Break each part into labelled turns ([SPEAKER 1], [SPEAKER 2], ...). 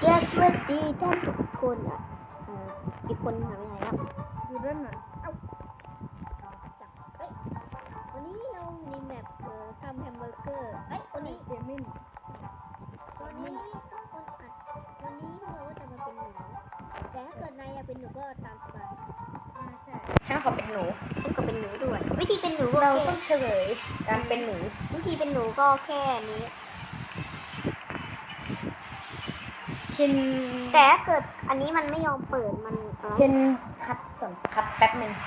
[SPEAKER 1] สวัสดีท่านทุกคนอีกคนหายไปไหนครับ
[SPEAKER 2] อยู่ด้านหลัง
[SPEAKER 1] จับวันนี้เราในแมปทำแฮมเบอร์เกอร์วันนี้
[SPEAKER 2] เดมิน
[SPEAKER 1] วันนี้ต้องคนอัดวันนี้เราก็จะมาเป็นหนูแต่ถ้าเกิดนายอยากเป็นหนูก็ตามสบาย
[SPEAKER 2] ใช่
[SPEAKER 3] ฉันขอเป็นหนู
[SPEAKER 1] ฉันก็เป็นหนูด้วยวิธีเป็นหนูก็
[SPEAKER 3] เราต้องเฉลยการเป็นหนู
[SPEAKER 1] วิธีเป็นหนูก็แค่นี้แต่ถ้าเกิดอันนี้มันไม่ยอมเปิดมัน
[SPEAKER 3] เช่นคัดก่อนคัดแป๊บหนึ่ง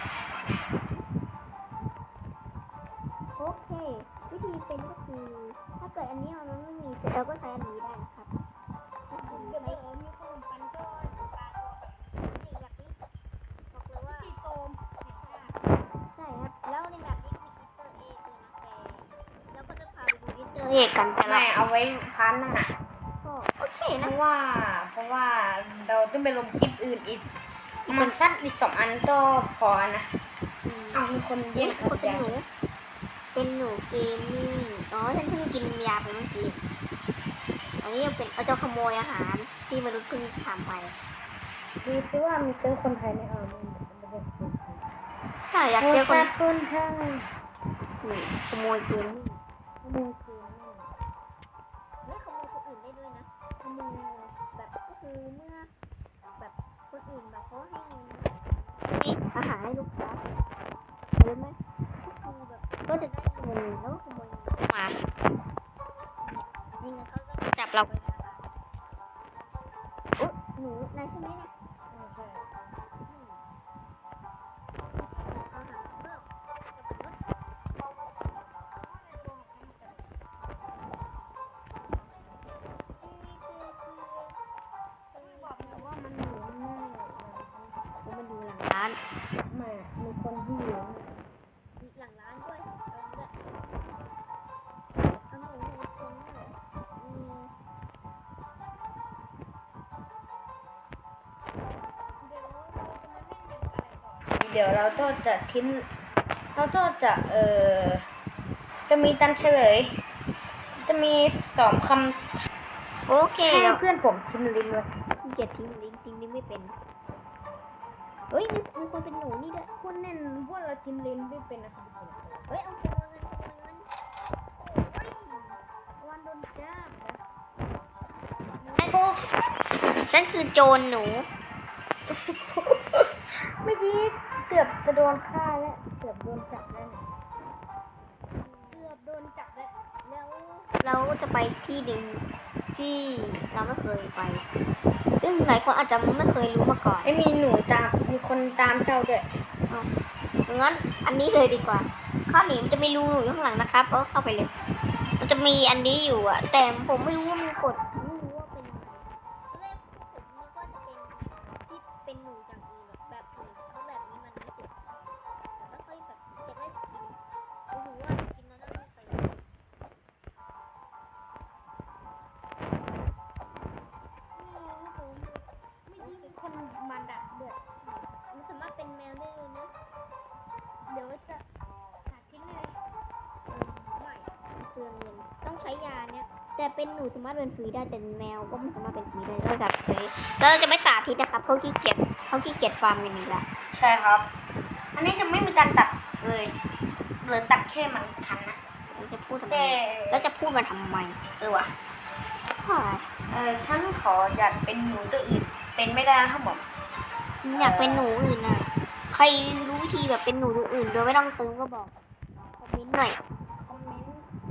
[SPEAKER 1] โอเควิธีเป็นก็คือถ้าเกิดอันนี้มันไม่มีเราก็ใช้อันนี้ได้นะครับถ้าเกิดใช้
[SPEAKER 2] มีขนมปังก็ปลา
[SPEAKER 1] สีแบบนี้บอกเลยว่า
[SPEAKER 2] สีโตม
[SPEAKER 1] ใช่ครับแล้วในแบบนี้มีอิสเตอร์เอ็กเลยนะแต่เราก็จะพาไปดูอิสเตอร์เอ็กกันแต่ละ
[SPEAKER 3] ไม่เอาไว้พาร์ทหน้า
[SPEAKER 1] ก็โอเค
[SPEAKER 3] เพ
[SPEAKER 1] นะ
[SPEAKER 3] ราะว่าเราต้องไปลงคลิปอื่นอีกมันสั้นอีก2 อันก็พอนะเอามีคนแย่ง
[SPEAKER 1] คนเป็นหนูเป็นหนูเกมมิ่งฉันเพิ่งกินยาไปเมื่อกี้อันนี้ยังเป็นเอาจะขโมยอาหารที่มนุษย์เพิ่งทำไป
[SPEAKER 3] ดูซิว่ามีเจอคนไทยไหม
[SPEAKER 1] ใช่อยากเจอ
[SPEAKER 3] คนไทย
[SPEAKER 1] ขโมยเกมมิ่ง
[SPEAKER 3] ขโมยเกม
[SPEAKER 1] ไม่ขโมยคนอื่นได้ด้วยนะขโมยแบบก็คือเมื่อแบบคนอื่นแบบเขาให้เงินอาหารให้ลูกค้าเยอะไหมก็คือแบบก็จะได้เงินแล้วก็ขโมยเงินมานี่ไงเขาก็จับเราไปโอ้หนูนายใช่ไหมเนี่ยอาหารเพิ่ม
[SPEAKER 2] บอกเลยว่ามันหนูแน่
[SPEAKER 1] มันดูหลังร้าน
[SPEAKER 3] มามีคนที่อยู่
[SPEAKER 1] หลังร้านด้วยเอาหมูตรงนี้เหรอ
[SPEAKER 3] เดี๋ยวเราก็จะทิ้งเราก็จะมีตันเฉลยจะมี2 คำ
[SPEAKER 1] โอเค
[SPEAKER 3] ให้เพื่อนผมทิ้งลิงก์ไว้
[SPEAKER 1] ขี้เกียจทิ้งลิงก์ไม่เป็นเฮ้ยมีคนเป็นหนูนี่ด้วย
[SPEAKER 3] คุณเน่นพวกเราทิ้งลิงก์ไม่เป็นนะครับ
[SPEAKER 1] เฮ้ยเอาขโมยเงิน
[SPEAKER 2] วันโดนจับ
[SPEAKER 1] ฉันคือโจรหนู
[SPEAKER 3] เมื่อกี้เกือบจะโดนฆ่าแล้วเกือบโดนจับแล้ว
[SPEAKER 2] เกือบโดนจับแล้ว
[SPEAKER 1] แล้วเราจะไปที่หนึ่งที่เราไม่เคยไป ซึ่งหลายคนอาจจะไม่เคยรู้มาก่อน
[SPEAKER 3] ไอ้มีหนูตามมีคนตามเจ้าด้วย
[SPEAKER 1] งั้นอันนี้เลยดีกว่าข้าวหนีมันจะมีรูอยู่ข้างหลังนะครับก็เข้าไปเลย มันจะมีอันนี้อยู่อะแต่ผมไม่รู้ว่ามันกดไม่รู้ว่าเป็นอะไรตอนแรกผมนึกว่าจะเป็นที่เป็นหนูอย่างอื่นแบบอื่นเพราะแบบนี้มันไม่ติดแต่ก็ค่อยแบบจะได้กินโอ้โหว่ากินแล้วน่าไม่ไปไม่ดี
[SPEAKER 2] คนมันดักเดือด
[SPEAKER 1] มันสามารถเป็นแมวได้เลยนะ
[SPEAKER 2] เดี๋ยวจะหาทิ้งเลย
[SPEAKER 1] ไม่เปลืองเงินต้องใช้ยาเนี่ยแต่เป็นหนูสามารถเป็นฟรีได้แต่แมวก็ไม่สามารถเป็นฟรีได้เราจับซื้อแล้วเราจะไม่สาธิตนะครับเขาขี้เกียจฟาร์มกันอีกแล้ว
[SPEAKER 3] ใช่ครับ อันนี้จะไม่มีการตัดเลยหรือตัดแค่มันคันนะ
[SPEAKER 1] เราจะพูดทำไม
[SPEAKER 3] แต่
[SPEAKER 1] แล้วจะพูดมาทำไม
[SPEAKER 3] ว่ะ ฉันขออยากเป็นหนูตัวอื่นเป็นไม่ได้นะครับผม
[SPEAKER 1] อยากเป็นหนูอื่นน่ะใครรู้วิธีแบบเป็นหนูตัวอื่นโดยไม่ต้องตึงก็บอกคอมเมนต์หน่อย
[SPEAKER 3] คอมเมนต์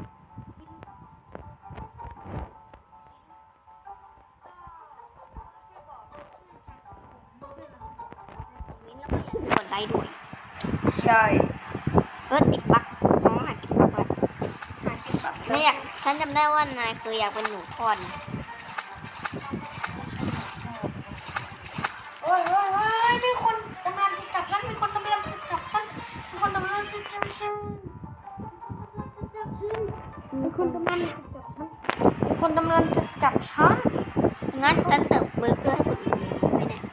[SPEAKER 1] แล้วก็อย่าลืมกดไลค์ด้วย
[SPEAKER 3] ใช่
[SPEAKER 1] ติดบั๊กน้องหากินบั๊กเนี่ยฉันจำได้ว่านายเคยอยากเป็นหนูทอด
[SPEAKER 3] โอ้ยมีคนกำลังจะจับฉันมีคนกำลังจะจับฉันมีคนกำลังจะจับฉันมีคนกำลังจะจับฉันมีคนกำลังจะจับฉัน
[SPEAKER 1] งั้นฉันเสิร์ฟเบอร์เกอร์ให้คนอื่นเลยไม่ได้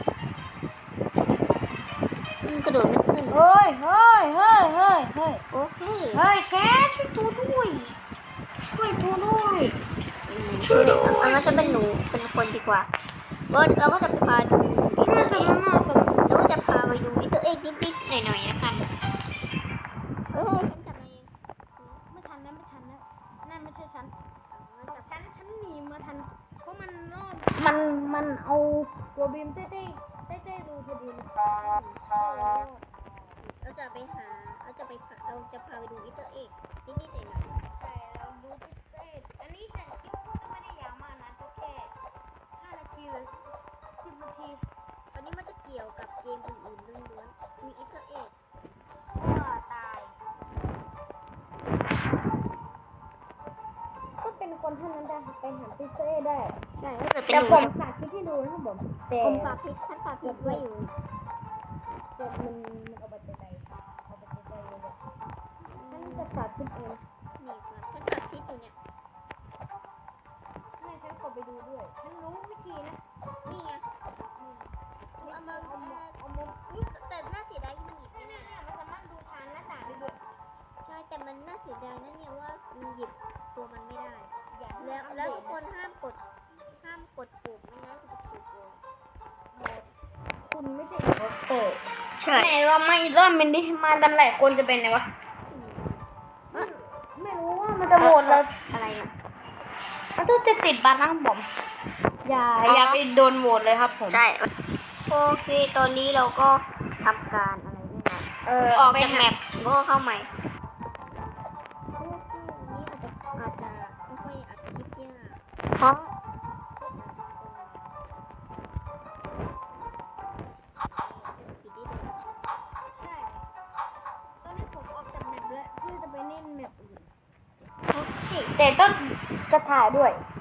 [SPEAKER 1] กระโดดไม่ขึ้น
[SPEAKER 3] เฮ้ย
[SPEAKER 1] โอเค
[SPEAKER 3] เฮ้ยแคทช่วยตัวด้วย
[SPEAKER 1] ช่วยงั้นฉันเป็นหนูเป็นคนดีกว่าเราก็จะพาดูอินเตอร์เอ็ก
[SPEAKER 3] น่าสน
[SPEAKER 1] เราก็จะพาไปดูอินเตอร์เอ็กนิดๆหน่อยๆนะคะฉันจับเอง
[SPEAKER 2] ไม่ทันนะไม่ทันนะนั่นไม่ใช่ฉันฉันหนีมาทันเพราะมันรอบมันเอาตัวบีมเต้ดูพอดีเลย
[SPEAKER 1] เราจะไปหาเราจะพาไปดูอินเตอร์เอ็กนิดๆหน่อย
[SPEAKER 2] ใช่เราดูพิเศษอันนี้แต่คลิปก็ไม่ได้ยาวมากนะก็แค่5 นาทีหรือ10 นาที
[SPEAKER 1] ๆตอนนี้มันจะเกี่ยวกับเกมอื่นๆล้วนๆมีอินเตอร์เอ็ก
[SPEAKER 2] ก็ตาย ก็เป็นคนเท่านั้นได้ไปหาพิเศษได้
[SPEAKER 1] ใช่ถ้าเกิดเป็น
[SPEAKER 2] แต่
[SPEAKER 1] หนู
[SPEAKER 2] ผมสาธิตให้ดูนะครับผมแต่
[SPEAKER 1] ผมสาธิตฉันสาธิตไว้อยู่
[SPEAKER 2] มันเอาไปใจเลยฉันจะสาธิตเอง
[SPEAKER 1] นี่ครับฉันสาธิตอยู่เนี่ย
[SPEAKER 2] ให้ฉันกดไปดูด้วย ฉันรู้วิธีนะ
[SPEAKER 1] นี่ไงเอามาอุ๊ยแต่น่าเสียดายที่มันหยิบไม่ได้
[SPEAKER 2] มันสามารถดูทางหน้าต่างได้ด้วย
[SPEAKER 1] ใช่แต่มันน่าเสียดายนะเนี่ยว่ามันหยิบตัวมันไม่ได้
[SPEAKER 2] อย่าง
[SPEAKER 1] แล้วทุกคนห้ามกดปุ่มไม่งั้นคุณจะถูกโกง
[SPEAKER 2] คุณไม่ใช่
[SPEAKER 3] โปสเตอร์
[SPEAKER 1] ใช่
[SPEAKER 3] ไหนเรามาอีกรอบมันดิมาดันหลายคนจะเป็นไงวะ
[SPEAKER 2] ไม่รู้ว่ามันจะโหวตเรา
[SPEAKER 1] อะไรอ่ะ
[SPEAKER 3] มันต้องจะติดบัตรนะครับผมอย่าไปโดนโหวตเลยครับผม
[SPEAKER 1] ใช่โอเคตอนนี้เราก็ทำการอะไรนี่นะ ออก
[SPEAKER 3] ไป
[SPEAKER 1] จาก
[SPEAKER 3] หา
[SPEAKER 1] แมปก็เข้าใหม่นี้อาจจะไม่ค่อยอัดคลิปยากเพราะ
[SPEAKER 2] ใช่ตอนนี้ผมออกจากแมปแล้วเพื่อจะไปเล่นแมปอื่น
[SPEAKER 1] โอเค
[SPEAKER 3] แต่ต้องจะถ่ายด้วย
[SPEAKER 1] ใ